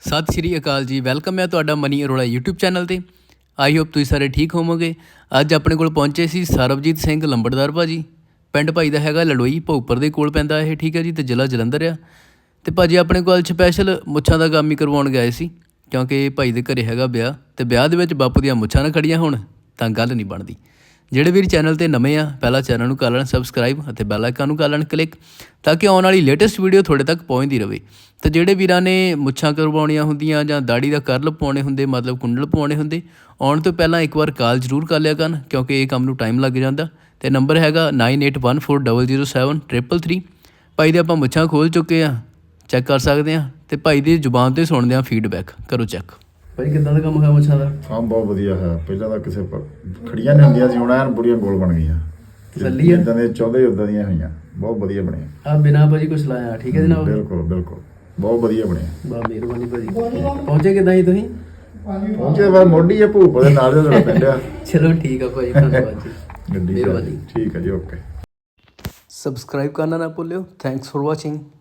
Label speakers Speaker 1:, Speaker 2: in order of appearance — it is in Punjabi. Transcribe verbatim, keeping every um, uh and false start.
Speaker 1: ਸਤਿ ਸ਼੍ਰੀ ਅਕਾਲ ਜੀ। ਵੈਲਕਮ ਹੈ ਤੁਹਾਡਾ ਮਨੀ ਅਰੋੜਾ ਯੂਟਿਊਬ ਚੈਨਲ 'ਤੇ। ਆਈ ਹੋਪ ਤੁਸੀਂ ਸਾਰੇ ਠੀਕ ਹੋਵੋਗੇ। ਅੱਜ ਆਪਣੇ ਕੋਲ ਪਹੁੰਚੇ ਸੀ ਸਰਬਜੀਤ ਸਿੰਘ ਲੰਬੜਦਾਰ ਭਾਜੀ। ਪਿੰਡ ਭਾਈ ਦਾ ਹੈਗਾ ਲੜੋਈ, ਭੋਗਪੁਰ ਦੇ ਕੋਲ ਪੈਂਦਾ ਇਹ, ਠੀਕ ਹੈ ਜੀ, ਅਤੇ ਜ਼ਿਲ੍ਹਾ ਜਲੰਧਰ ਆ। ਅਤੇ ਭਾਜੀ ਆਪਣੇ ਕੋਲ ਸਪੈਸ਼ਲ ਮੁੱਛਾਂ ਦਾ ਕੰਮ ਹੀ ਕਰਵਾਉਣ ਗਏ ਸੀ, ਕਿਉਂਕਿ ਭਾਈ ਦੇ ਘਰੇ ਹੈਗਾ ਵਿਆਹ, ਅਤੇ ਵਿਆਹ ਦੇ ਵਿੱਚ ਬਾਪੂ ਦੀਆਂ ਮੁੱਛਾਂ ਨਾ ਖੜੀਆਂ ਹੋਣ ਤਾਂ ਗੱਲ ਨਹੀਂ ਬਣਦੀ। ਜਿਹੜੇ ਵੀਰ ਚੈਨਲ 'ਤੇ ਨਵੇਂ ਆ, ਪਹਿਲਾਂ ਚੈਨਲ ਨੂੰ ਕਰ ਲੈਣ ਸਬਸਕ੍ਰਾਈਬ ਅਤੇ ਬੈਲ ਆਈਕਨ ਨੂੰ ਕਰ ਲੈਣ ਕਲਿੱਕ, ਤਾਂ ਕਿ ਆਉਣ ਵਾਲੀ ਲੇਟੈਸਟ ਵੀਡੀਓ ਤੁਹਾਡੇ ਤੱਕ ਪਹੁੰਚਦੀ ਰਹੇ। ਅਤੇ ਜਿਹੜੇ ਵੀਰਾਂ ਨੇ ਮੁੱਛਾਂ ਕਰਵਾਉਣੀਆਂ ਹੁੰਦੀਆਂ ਜਾਂ ਦਾੜੀ ਦਾ ਕਰਲ ਪਵਾਉਣੇ ਹੁੰਦੇ, ਮਤਲਬ ਕੁੰਡਲ ਪਵਾਉਣੇ ਹੁੰਦੇ, ਆਉਣ ਤੋਂ ਪਹਿਲਾਂ ਇੱਕ ਵਾਰ ਕਾਲ ਜ਼ਰੂਰ ਕਰ ਲਿਆ ਕਰਨ, ਕਿਉਂਕਿ ਇਹ ਕੰਮ ਨੂੰ ਟਾਈਮ ਲੱਗ ਜਾਂਦਾ। ਅਤੇ ਨੰਬਰ ਹੈਗਾ nine eight one four double zero seven triple three. ਭਾਈ ਦੇ ਆਪਾਂ ਮੁੱਛਾਂ ਖੋਲ੍ਹ ਚੁੱਕੇ ਹਾਂ, ਚੈੱਕ ਕਰ ਸਕਦੇ ਹਾਂ, ਅਤੇ ਭਾਈ ਦੀ ਜ਼ੁਬਾਨ 'ਤੇ ਸੁਣਦੇ ਹਾਂ ਫੀਡਬੈਕ। ਕਰੋ ਚੈੱਕ। ਭਾਈ ਕਿੱਦਾਂ ਦਾ ਕੰਮ ਹੈ ਮੁੱਛਾਂ ਦਾ?
Speaker 2: ਕੰਮ ਬਹੁਤ ਵਧੀਆ ਹੈ। ਪਹਿਲਾਂ ਤਾਂ ਕਿਸੇ ਪਰ ਖੜੀਆਂ ਨਹੀਂ ਹੁੰਦੀਆਂ ਸੀ, ਹੁਣ ਐਨ ਬੁੜੀਆਂ ਗੋਲ ਬਣ ਗਈਆਂ।
Speaker 1: ਤਸੱਲੀ ਹੈ?
Speaker 2: ਜਿੱਦਾਂ ਦੇ ਚਾਹੁੰਦੇ ਉਦਾਂ ਦੀਆਂ ਹੋਈਆਂ, ਬਹੁਤ ਵਧੀਆ ਬਣੀਆਂ।
Speaker 1: ਆ ਬਿਨਾਂ ਭਾਜੀ ਕੁਛ ਲਾਇਆ, ਠੀਕ ਹੈ ਜਨਾਬ?
Speaker 2: ਬਿਲਕੁਲ ਬਿਲਕੁਲ ਬਹੁਤ ਵਧੀਆ ਬਣਿਆ।
Speaker 1: ਬਹੁਤ ਮਿਹਰਬਾਨੀ ਭਾਜੀ। ਪਹੁੰਚੇ ਕਿੱਦਾਂ ਜੀ ਤੁਸੀਂ?
Speaker 2: ਪਹੁੰਚੇ ਬਾਅਦ ਮੋਢੀ ਆ ਭੂਪ ਦੇ ਨਾਲ ਜਿਹੜਾ ਪਿੰਡ ਆ।
Speaker 1: ਚਲੋ ਠੀਕ ਆ ਭਾਜੀ, ਧੰਨਵਾਦ ਜੀ।
Speaker 2: ਗੱਡੀ
Speaker 1: ਮਿਹਰਬਾਨੀ।
Speaker 2: ਠੀਕ ਹੈ ਜੀ, ਓਕੇ।
Speaker 1: ਸਬਸਕ੍ਰਾਈਬ ਕਰਨਾ ਨਾ ਭੁੱਲਿਓ। Thanks for watching.